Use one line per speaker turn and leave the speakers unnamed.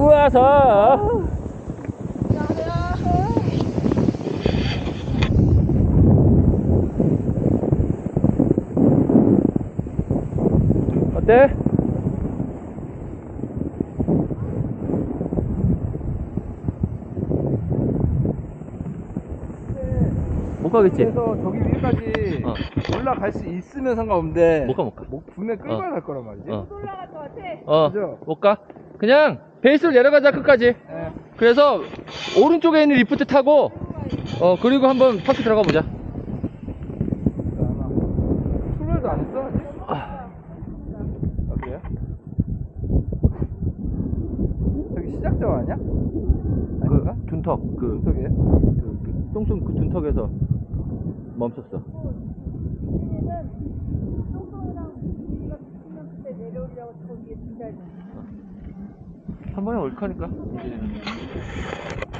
와서. 어때? 못 가겠지?
그래서 저기 위까지 올라갈 수 있으면 상관없는데
못 가.
분명히 끌고 갈 거란 말이지.
못
올라갈 것 같아.
그죠?
못 가. 그냥 베이스로 내려가자 끝까지.
예.
그래서 오른쪽에 있는 리프트 타고 그리고 한번 파크 들어가 보자.
출발도 안 했어 아직?
아,
그래요? 저기 시작점 아니야? 아닌가?
둔턱
저기에?
똥손 그 둔턱에서 멈췄어.
이제는 똥똥이랑 우리가 붙으면 그때 내려오려고 저기에 기다려.
한 번에 올 거니까.